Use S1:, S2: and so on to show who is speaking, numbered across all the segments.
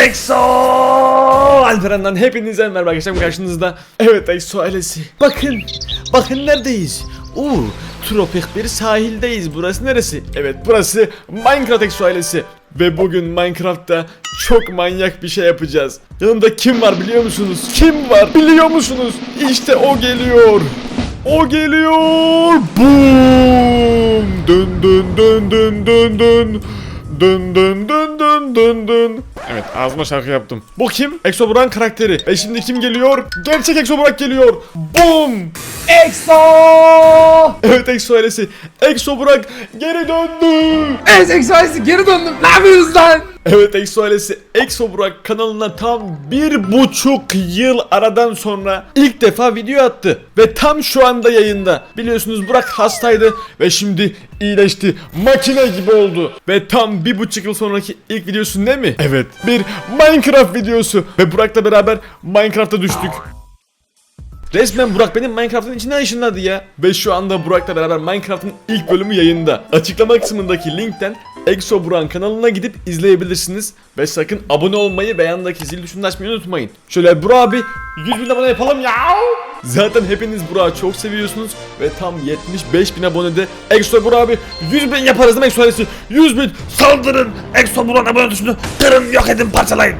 S1: EXO Alperen'den hepinize merhaba arkadaşlar, karşınızda. Evet EXO ailesi. Bakın neredeyiz? Tropik bir sahildeyiz. Burası neresi? Evet, burası Minecraft EXO ailesi. Ve bugün Minecraft'ta çok manyak bir şey yapacağız. Yanımda kim var biliyor musunuz? Kim var biliyor musunuz? İşte o geliyor. O geliyor. Boom! Dın dın dın dın dın dın. Dın dın dın dın dın dın. Evet, ağzıma şarkı yaptım. Bu kim? EXO Burak'ın karakteri. Ve şimdi kim geliyor? Gerçek EXO Burak geliyor. Boom!
S2: EXO!
S1: Evet EXO ailesi. EXO Burak geri döndü.
S2: Evet EXO ailesi geri döndüm. Ne yapıyorsunuz lan?
S1: Evet EXO ailesi, EXO Burak kanalına tam 1,5 yıl aradan sonra ilk defa video attı. Ve tam şu anda yayında. Biliyorsunuz Burak hastaydı ve şimdi iyileşti. Makine gibi oldu. Ve tam 1,5 yıl sonraki ilk videosu ne mi? Evet, bir Minecraft videosu. Ve Burak'la beraber Minecraft'a düştük. Resmen Burak benim Minecraft'ın içine ışınladı ya. Ve şu anda Burak'la beraber Minecraft'ın ilk bölümü yayında. Açıklama kısmındaki linkten EXO Burak'ın kanalına gidip izleyebilirsiniz. Ve sakın abone olmayı ve yandaki zil tuşunu açmayı unutmayın. Şöyle Burak abi 100.000 abone yapalım ya. Zaten hepiniz Burak'ı çok seviyorsunuz. Ve tam 75.000 abonede EXO Burak abi 100.000 yaparız değil mi EXO ailesi? 100.000 saldırın. EXO Burak'ın abone tuşunu kırın, yok edin, parçalayın.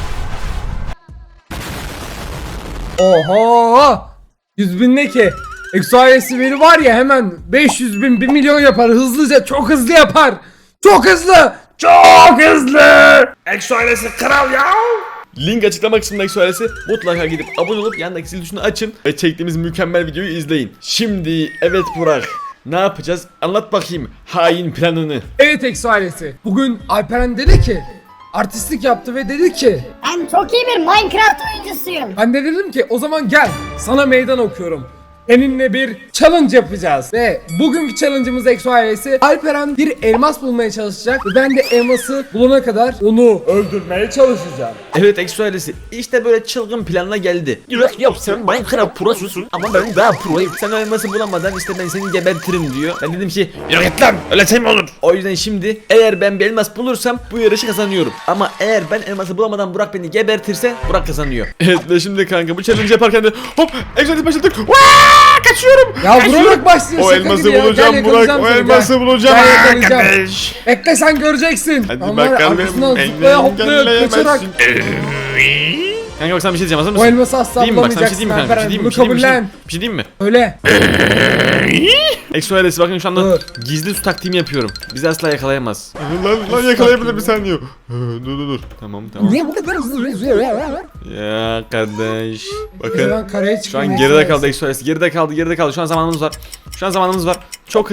S2: Oho! 100.000 ne ki? EXO ailesi beni var ya hemen 500.000 1 milyon yapar hızlıca, çok hızlı yapar. Çok hızlı! Çok hızlı!
S1: EXO ailesi kral ya. Link açıklama kısmında EXO ailesi, mutlaka gidip abone olup yandaki zil tuşunu açın ve çektiğimiz mükemmel videoyu izleyin. Şimdi evet Burak, ne yapacağız? Anlat bakayım hain planını.
S2: Evet EXO ailesi. Bugün Alperen dedi ki artistlik yaptı ve dedi ki
S3: Ben çok iyi bir Minecraft oyuncusuyum.
S2: ben de dedim ki o zaman gel sana meydan okuyorum. Seninle bir challenge yapacağız. Ve bugünkü challenge'ımız EXO ailesi, Alperen bir elmas bulmaya çalışacak ve ben de elması bulana kadar onu öldürmeye çalışacağım.
S1: Evet EXO ailesi, işte böyle çılgın planla geldi. Yok sen Minecraft prosusun ama ben daha proyum. Sen o elması bulamadan işte ben seni gebertirim diyor. Ben dedim ki yok et lan, öyle şey mi olur? O yüzden şimdi eğer ben bir elmas bulursam bu yarışı kazanıyorum. Ama eğer ben elması bulamadan Burak beni gebertirse Burak kazanıyor. Evet ve şimdi kanka bu challenge yaparken de hop EXO ailesi başladık. Kaçıyorum.
S2: Ya vurarak başlıyor,
S1: O
S2: şaka
S1: elması
S2: gibi ya.
S1: bulacağım
S2: Gel
S1: Burak,
S2: yakalayacağım
S1: o
S2: seni,
S1: elması
S2: gel.
S1: bulacağım.
S2: Gel yakalayacağım.
S1: Arkadaş.
S2: Bekle sen göreceksin.
S1: Hadi
S2: Ben var ya,
S1: bakalım.
S2: arkasından zıplaya hoplaya kaçarak
S1: Kanka bak sana bir şey diyeceğim, hazır mısın?
S2: o elması asla
S1: Diyeyim mi bak, sana bir şey
S2: bulamayacaksın
S1: diyeyim mi kanka? Bir şey
S2: Alperen.
S1: diyeyim mi?
S2: Bunu kabullen.
S1: Bir şey diyeyim mi?
S2: Öyle.
S1: EXO ailesi bakın şu anda
S2: Dur.
S1: gizli su taktiğimi yapıyorum. Bizi asla yakalayamaz. Lan yakalayabilir bir saniye. Dur. Tamam.
S2: Niye bu kadar hızlı?
S1: Ya kardeş.
S2: Ben
S1: Bakın.
S2: karaya
S1: Şu
S2: çıkıyorum.
S1: an geride kaldı EXO ailesi. Geride kaldı. Şu an zamanımız var. Çok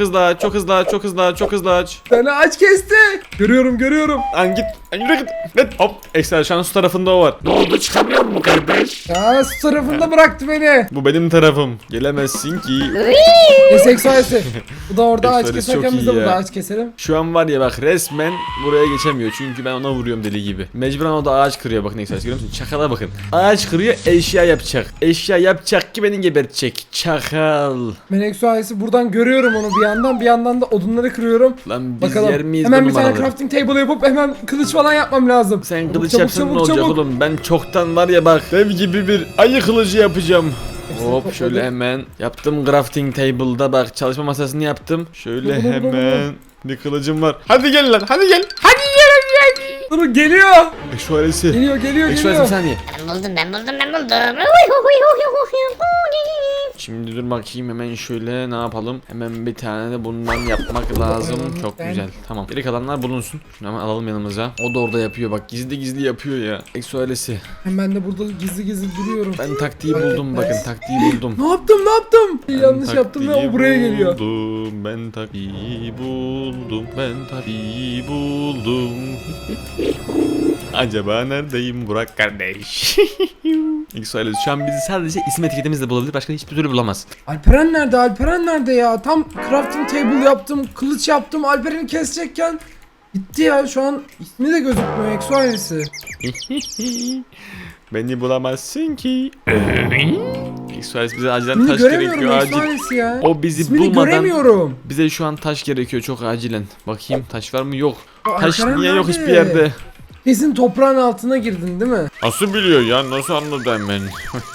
S1: hızlı aç.
S2: Beni aç kesti. Görüyorum.
S1: Lan git. Yürü git. Hop. EXO ailesi şu an su tarafında o var. Ne oldu, çıkamıyor mu kardeş?
S2: Ya su tarafında bıraktı beni.
S1: Bu benim tarafım. Gelemezsin ki.
S2: Neyse EXO ailesi. Bu da orada ağaç
S1: EXO ailesi
S2: keserken
S1: çok
S2: biz de
S1: iyi
S2: burada
S1: ya.
S2: ağaç keselim.
S1: Şu an var ya bak, resmen buraya geçemiyor çünkü ben ona vuruyorum deli gibi. Mecburen o da ağaç kırıyor, bakın EXO ailesi, görüyor musun? Çakala bakın. Ağaç kırıyor, eşya yapacak. Eşya yapacak ki beni gebertecek. Çakal.
S2: Ben EXO ailesi buradan görüyorum onu bir yandan da odunları kırıyorum.
S1: Lan biz
S2: Bakalım.
S1: yer miyiz
S2: Hemen
S1: bu
S2: bir tane
S1: numaraları?
S2: crafting table yapıp hemen kılıç falan yapmam lazım.
S1: Sen
S2: Çabuk,
S1: kılıç
S2: çabuk,
S1: yapsan ne
S2: çabuk,
S1: olacak
S2: çabuk.
S1: oğlum? Ben çoktan var ya bak, dev gibi bir ayı kılıcı yapacağım. Hop
S2: topladım.
S1: şöyle hemen yaptım crafting table'da, bak çalışma masasını yaptım. Şöyle
S2: Dur.
S1: hemen bir kılıcım var. Hadi gel lan, hadi gel.
S2: Durun geliyor.
S1: EXO ailesi.
S2: Geliyor.
S1: EXO ailesi bir saniye.
S3: Ben buldum.
S1: Şimdi dur bakayım, hemen şöyle ne yapalım? Hemen bir tane de bundan yapmak lazım. Çok
S2: Ben-
S1: güzel. Tamam. Geri kalanlar bulunsun. Şunu hemen alalım yanımıza. O da orada yapıyor bak. Gizli yapıyor ya. EXO ailesi.
S2: Ben de burada gizli duruyorum.
S1: Ben taktiği
S2: Fark
S1: buldum,
S2: etmez.
S1: bakın taktiği buldum.
S2: Ne yaptım?
S1: Ben
S2: Yanlış yaptım ve
S1: taktiği
S2: o buraya geliyor.
S1: buldum, ben taktiği buldum. Acaba neredeyim Burak kardeş? EXO ailesi şu an bizi sadece isim etiketimizle bulabilir. Başka hiçbir türlü bulamaz.
S2: Alperen nerede ya? Tam crafting table yaptım, kılıç yaptım. Alperen'i kesecekken gitti ya. Şu an ismi de gözükmüyor EXO ailesi.
S1: Beni bulamazsın ki. EXO ailesi bize acilen
S2: İsmini
S1: taş
S2: göremiyorum
S1: gerekiyor,
S2: EXO
S1: acil.
S2: ailesi ya.
S1: O bizi
S2: İsmini
S1: bulmadan
S2: göremiyorum.
S1: bize şu an taş gerekiyor çok acilen. Bakayım taş var mı? Yok.
S2: O
S1: Taş
S2: Alperen
S1: niye yok
S2: nerede?
S1: hiçbir yerde?
S2: Kesin toprağın altına girdin değil mi?
S1: Nasıl biliyor ya? Nasıl anladım ben?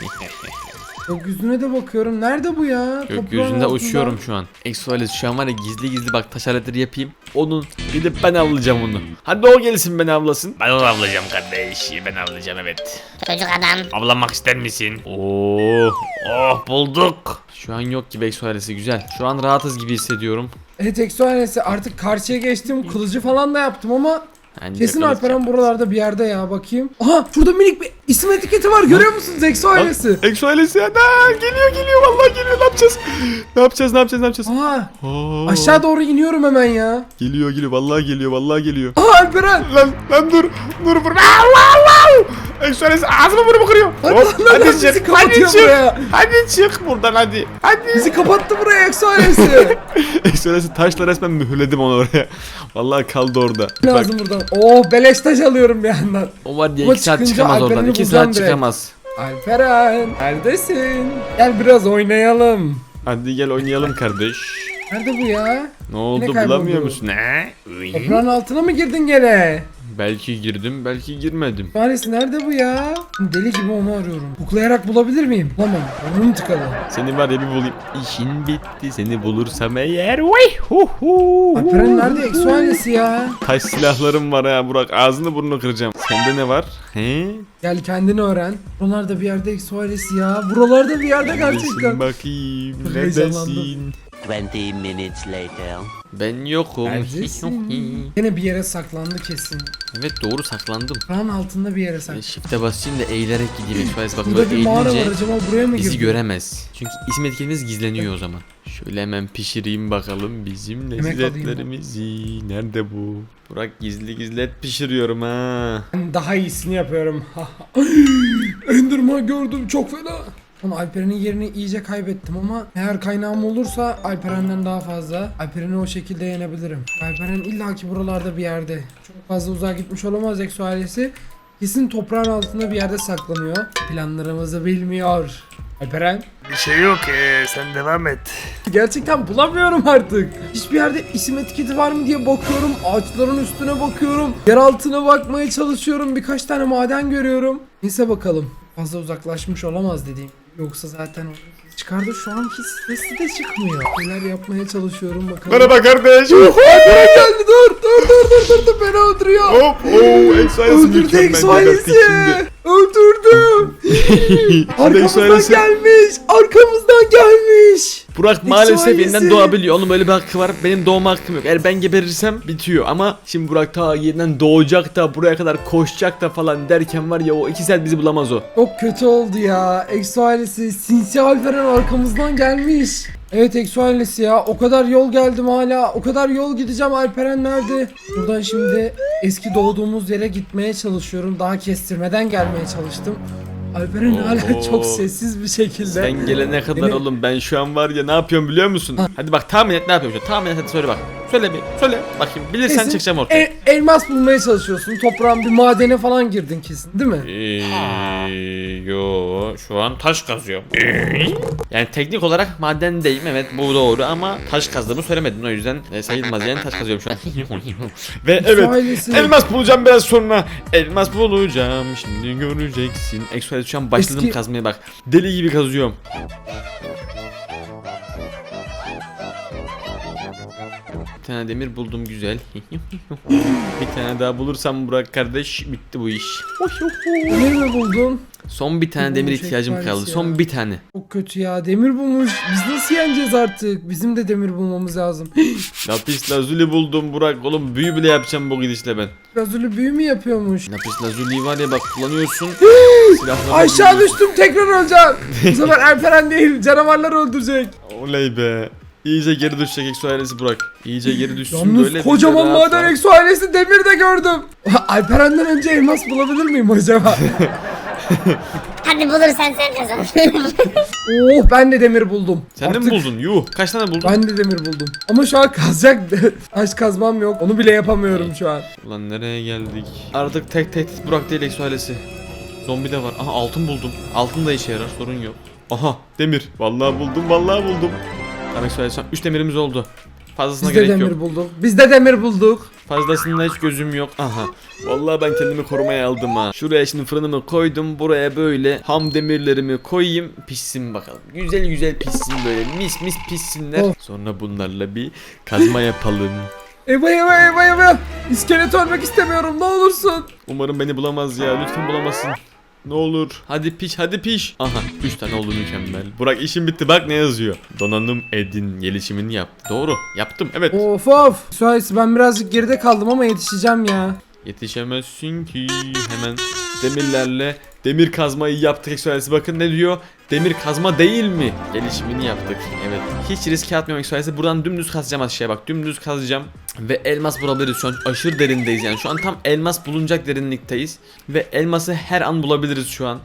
S2: Gökyüzüne de bakıyorum. Nerede bu ya? Toprağın
S1: Gökyüzünde
S2: altında.
S1: uçuyorum şu an. Exoales şu an var ya, gizli gizli bak taş aletleri yapayım. Onun gidip ben avlayacağım onu. Hadi o gelsin beni avlasın.
S4: Ben onu avlayacağım kardeş. Ben avlayacağım, evet.
S3: Çocuk adam.
S4: Avlanmak ister misin? Oo, oh bulduk.
S1: Şu an yok gibi Exoales'i, güzel. Şu an rahatız gibi hissediyorum.
S2: Evet Exoales'i artık karşıya geçtim. Kılıcı falan da yaptım ama
S1: Bence
S2: kesin
S1: kılıç
S2: Alperen buralarda bir yerde ya, bakayım. Aha şurada minik bir isim etiketi var, görüyor musunuz Exoales'i?
S1: Exoales ya da geliyor vallahi geliyor, ne yapacağız? Ne yapacağız?
S2: Aha
S1: Aa,
S2: aşağı doğru iniyorum hemen ya.
S1: geliyor vallahi geliyor.
S2: Aha Alperen.
S1: Lan dur vurma. Allah. Exoales ağzımı burnumu kırıyor.
S2: Lan bizi kapatıyor buraya.
S1: Hadi çık buradan hadi.
S2: Bizi kapattı buraya Exoales'i.
S1: Exoales'i taşla resmen mühürledim onu oraya. Vallahi kaldı orada. Bak,
S2: Lazım buradan. Oh beleş taş alıyorum bir yandan.
S1: o var diye
S2: Ama
S1: 2 saat
S2: çıkınca
S1: çıkamaz oradan.
S2: Alperen'i
S1: 2
S2: bulacağım
S1: saat
S2: direkt.
S1: çıkamaz.
S2: Alperen neredesin? Gel biraz oynayalım.
S1: Hadi gel oynayalım kardeş.
S2: Nerede bu ya?
S1: Ne oldu,
S2: kayboldu?
S1: bulamıyor musun?
S4: Ne? Uy.
S2: Toprağın altına mı girdin gene?
S1: Belki girdim, belki girmedim.
S2: Maalesef nerede bu ya? Deli gibi onu arıyorum. Kuklayarak bulabilir miyim? Bulamam. Burnum tıkalı.
S1: Seni var ya bir bulayım. İşin bitti, seni bulursam eğer. Vay hu hu.
S2: Alperen nerede Exoales'i ya?
S1: Taş silahlarım var ha Burak. Ağzını burnunu kıracağım. Sende ne var? He?
S2: Gel kendini öğren. Buralarda bir yerde Exoales'i ya. Buralarda bir yerde
S1: Neredesin
S2: gerçekten.
S1: bakayım.
S2: Heyecanlandım.
S1: Neredesin?
S5: 20 minutes later.
S1: Ben yokum.
S2: Neredesin? Yine bir yere saklandı kesin.
S1: Evet doğru, saklandım.
S2: Toprağın altında bir yere
S1: Ben
S2: saklandı.
S1: shift'e basayım da eğilerek gideyim. Express bak,
S2: Burada
S1: böyle
S2: bir mağara var,
S1: eğilince
S2: acaba buraya mı
S1: bizi
S2: girdi?
S1: göremez. Çünkü isim etiketimiz gizleniyor o zaman. Şöyle hemen pişireyim bakalım bizim
S2: Yemek alayım.
S1: lezzetlerimizi. Nerede bu? Burak gizli et pişiriyorum ha.
S2: Ben daha iyisini yapıyorum. Enderman gördüm, çok fena. Ama Alperen'in yerini iyice kaybettim ama eğer kaynağım olursa Alperen'den daha fazla. Alperen'i o şekilde yenebilirim. Alperen illaki buralarda bir yerde. Çok fazla uzağa gitmiş olamaz Exoales'i. Kesin toprağın altında bir yerde saklanıyor. Planlarımızı bilmiyor. Alperen.
S4: Bir şey yok, sen devam et.
S2: Gerçekten bulamıyorum artık. Hiçbir yerde isim etiketi var mı diye bakıyorum. Ağaçların üstüne bakıyorum. Yer altına bakmaya çalışıyorum. Birkaç tane maden görüyorum. Neyse bakalım. Fazla uzaklaşmış olamaz dediğim. Yoksa zaten o çıkardı, şu an hiç sesi de çıkmıyor. Neler yapmaya çalışıyorum bakalım.
S1: Merhaba kardeş.
S2: Alperen geldi, dur beni öldürüyor.
S1: Hop Express
S2: Öldürdü Exoales'i. Öldürdüm. Arkamızdan gelmiş. Arkamızdan gelmiş.
S1: Burak maalesef
S2: Exoales'i.
S1: yeniden doğabiliyor. Onun böyle bir hakkı var. Benim doğma hakkım yok. Eğer ben geberirsem bitiyor. Ama şimdi Burak ta yeniden doğacak da buraya kadar koşacak da falan derken var ya, o 2 saat bizi bulamaz o.
S2: Çok kötü oldu ya. Exoales'i sinsi Alperen arkamızdan gelmiş. Evet Exoales'i ya, o kadar yol geldim hala. O kadar yol gideceğim, Alperen nerede? Buradan şimdi eski doğduğumuz yere gitmeye çalışıyorum. Daha kestirmeden gelmeye çalıştım. Alperen hala
S1: Oo.
S2: çok sessiz bir şekilde.
S1: Sen gelene kadar
S2: Beni-
S1: oğlum ben şu an var ya, ne yapıyorum biliyor musun? Hadi bak tahmin et, ne yapıyorum şu an? Tahmin et, hadi söyle bak. Söyle bakayım, bilirsen
S2: Kesin
S1: çıkacağım ortaya.
S2: elmas bulmaya çalışıyorsun. Toprağın bir madene falan girdin kesin, değil mi?
S1: Yo şu an taş kazıyorum. Yani teknik olarak madendeyim, evet bu doğru, ama taş kazdığımı söylemedim, o yüzden sayılmaz yani, taş kazıyorum şu an. Ve evet,
S2: Exoales'i-
S1: elmas bulacağım biraz sonra. Elmas bulacağım, şimdi göreceksin. Exoales şu an başladım
S2: Eski-
S1: kazmaya bak. Deli gibi kazıyorum. Bir tane demir buldum, güzel. Bir tane daha bulursam Burak kardeş, bitti bu iş.
S2: Demir mi buldun?
S1: Son bir tane demir
S2: Bulmuş
S1: ihtiyacım
S2: Exoales
S1: kaldı.
S2: ya.
S1: Son bir tane.
S2: Çok kötü ya, demir bulmuş. Biz nasıl yeneceğiz artık? Bizim de demir bulmamız lazım.
S1: Lapis lazuli buldum Burak. Oğlum büyü bile yapacağım bu gidişle ben.
S2: Lazuli büyü mü yapıyormuş?
S1: Lapis lazuli var ya bak, kullanıyorsun. Silahları
S2: Aşağı
S1: buluyorsun.
S2: düştüm, tekrar öleceğim. Bu sefer Alperen değil, canavarlar öldürecek.
S1: Oley be. İyice geri düşecek Exoales'i Burak. İyice geri düşsün
S2: Yalnız
S1: böyle.
S2: kocaman
S1: biz de rahat
S2: maden
S1: rahat-
S2: Exoales'i demir de gördüm. Alperen'den önce elmas bulabilir miyim acaba?
S3: Hadi bulursan sen kazan.
S2: Oh, ben de demir buldum.
S1: Sen de mi
S2: Artık
S1: buldun? Yuh. Kaç tane buldun?
S2: Ben de demir buldum. Ama şu an kazacak taş kazmam yok. Onu bile yapamıyorum şu an.
S1: Ulan nereye geldik? Artık tek tehdit Burak değil Exoales'i. Zombi de var. Aha altın buldum. Altın da işe yarar, sorun yok. Aha demir. Vallahi buldum. Tamam Exoales, 3 demirimiz oldu. Fazlasına
S2: Biz de
S1: gerek
S2: demir
S1: yok.
S2: bulduk. Biz de demir bulduk.
S1: Fazlasında hiç gözüm yok. Aha. Vallahi ben kendimi korumaya aldım ha. Şuraya şimdi fırınımı koydum. Buraya böyle ham demirlerimi koyayım. Pişsin bakalım. Güzel güzel pişsin böyle. Mis mis pişsinler.
S2: Of.
S1: Sonra bunlarla bir kazma yapalım.
S2: Eyvah. İskelet ölmek istemiyorum, ne olursun.
S1: Umarım beni bulamaz ya. Lütfen bulamasın. Ne olur. Hadi piş hadi piş. Aha 3 tane oldu, mükemmel. Burak işim bitti, bak ne yazıyor. Donanım edin gelişimini yap. Doğru yaptım, evet.
S2: Of. Suarez, ben birazcık geride kaldım ama yetişeceğim ya.
S1: Yetişemezsin ki. Hemen demirlerle demir kazmayı yaptık. Eksualesi bakın ne diyor. Demir kazma değil mi? Gelişimini yaptık. Evet. Hiç riske atmıyorum eksualesi. Buradan dümdüz kazacağım aşağıya bak. Dümdüz kazacağım. Ve elmas bulabiliriz şu an. Aşırı derindeyiz yani. Şu an tam elmas bulunacak derinlikteyiz. Ve elması her an bulabiliriz şu an.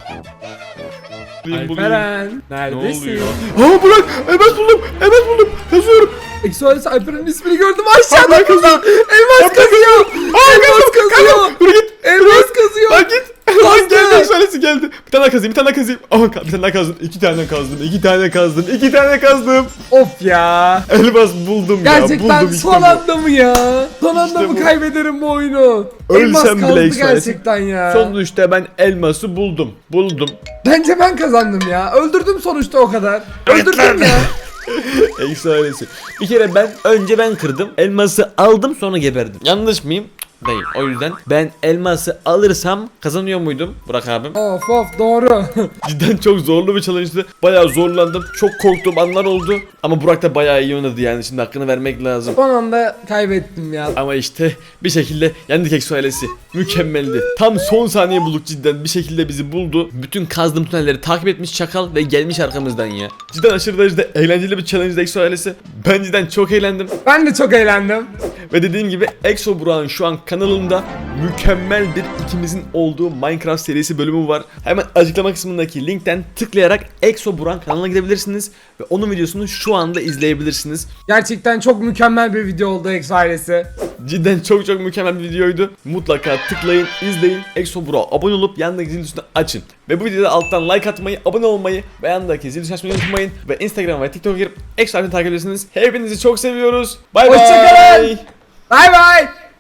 S2: Alperen,
S1: Ne
S2: neredesin?
S1: oluyor? Aa Burak! Elmas buldum! Elmas buldum! Yazıyorum!
S2: Exoales Alperen'in ismini gördüm aşağıda.
S1: Elmas kazıyor!
S2: Elmas kazıyor. Elmas kazıyor.
S1: Dur git!
S2: Elmas kazıyor.
S1: Lan git! Lan geldi, eksualesi geldi. Bir tane daha kazayım, bir tane daha kazayım. Aha bir tane daha kazdım. 2 tane kazdım. 2 tane kazdım. 2 tane kazdım.
S2: Of ya.
S1: Elmas buldum ya.
S2: Gerçekten
S1: Buldum işte
S2: son
S1: bu.
S2: anda mı ya? Son anda
S1: İşte
S2: mı
S1: bu.
S2: kaybederim bu oyunu?
S1: Ölsem
S2: Elmas
S1: bile
S2: kaldı
S1: Exoales'i.
S2: gerçekten ya.
S1: Sonuçta ben elması buldum. Buldum.
S2: Bence ben kazandım ya. Öldürdüm sonuçta o kadar. Öldürdüm ya.
S1: Eksualesi. Bir kere önce ben kırdım. Elması aldım sonra geberdim. Yanlış mıyım? Değil. O yüzden ben elması alırsam kazanıyor muydum Burak abim?
S2: Of doğru.
S1: Cidden çok zorlu bir challenge'dı. Bayağı zorlandım. Çok korktuğum anlar oldu. Ama Burak da bayağı iyi oynadı yani. Şimdi hakkını vermek lazım.
S2: Son anda kaybettim ya.
S1: Ama işte bir şekilde yendik Eksualesi. Mükemmeldi. Tam son saniye bulduk cidden. Bir şekilde bizi buldu. Bütün kazdığım tünelleri takip etmiş çakal ve gelmiş arkamızdan ya. Cidden aşırı derecede eğlenceli bir challenge Eksualesi. Ben cidden çok eğlendim.
S2: Ben de çok eğlendim.
S1: Ve dediğim gibi Exo Burak'ın şu an kanalında mükemmel bir ikimizin olduğu Minecraft serisi bölümü var. Hemen açıklama kısmındaki linkten tıklayarak Exo Burak'ın kanalına gidebilirsiniz. Ve onun videosunu şu anda izleyebilirsiniz.
S2: Gerçekten çok mükemmel bir video oldu Exo ailesi.
S1: Cidden çok mükemmel bir videoydu. Mutlaka tıklayın, izleyin. Exo Burak'a abone olup yanındaki zil tuşunu açın. Ve bu videoda alttan like atmayı, abone olmayı ve yanındaki zil tuşunu açmayı unutmayın. Ve Instagram ve TikTok'a girip Exo Ailesi'ni takip edebilirsiniz. Hepinizi çok seviyoruz. Bay bay.
S2: Hoşçakalın. Bay bay.